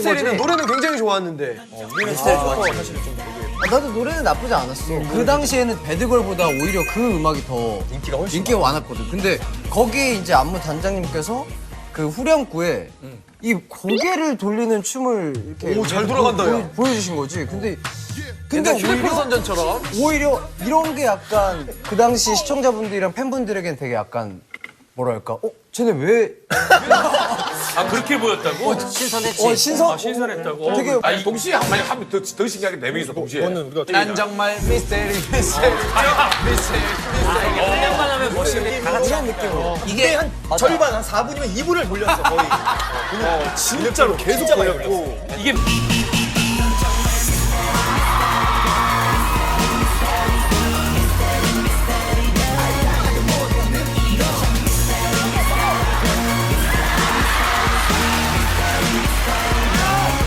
미스테리는 노래는 굉장히 좋았는데. 미스테리 좋았지. 나도 노래는 나쁘지 않았어. 그 당시에는 배드걸보다 오히려 그 음악이 더 인기가 많았거든. 근데 거기에 이제 안무 단장님께서 그 후렴구에 이 고개를 돌리는 춤을 이렇게 오, 잘 돌아간다, 야. 보여주신 거지. 근데 휴대폰 선전처럼. 오히려 이런 게 약간 그 당시 시청자분들이랑 팬분들에겐 되게 약간 뭐랄까, 쟤네 왜? 아 그렇게 보였다고? 신선했지. 신선했다고. 되게 아니 동시에 한마디 하면 더 신기하게 네 명이서 동시에. 난 정말 미스테리 미스테리 그냥만 하면 멋있는데 다 같이 이런 느낌으로. 이게 한 절반 한 4분이면 2분을 돌렸어 거의. 진짜로 계속 보였고. 이게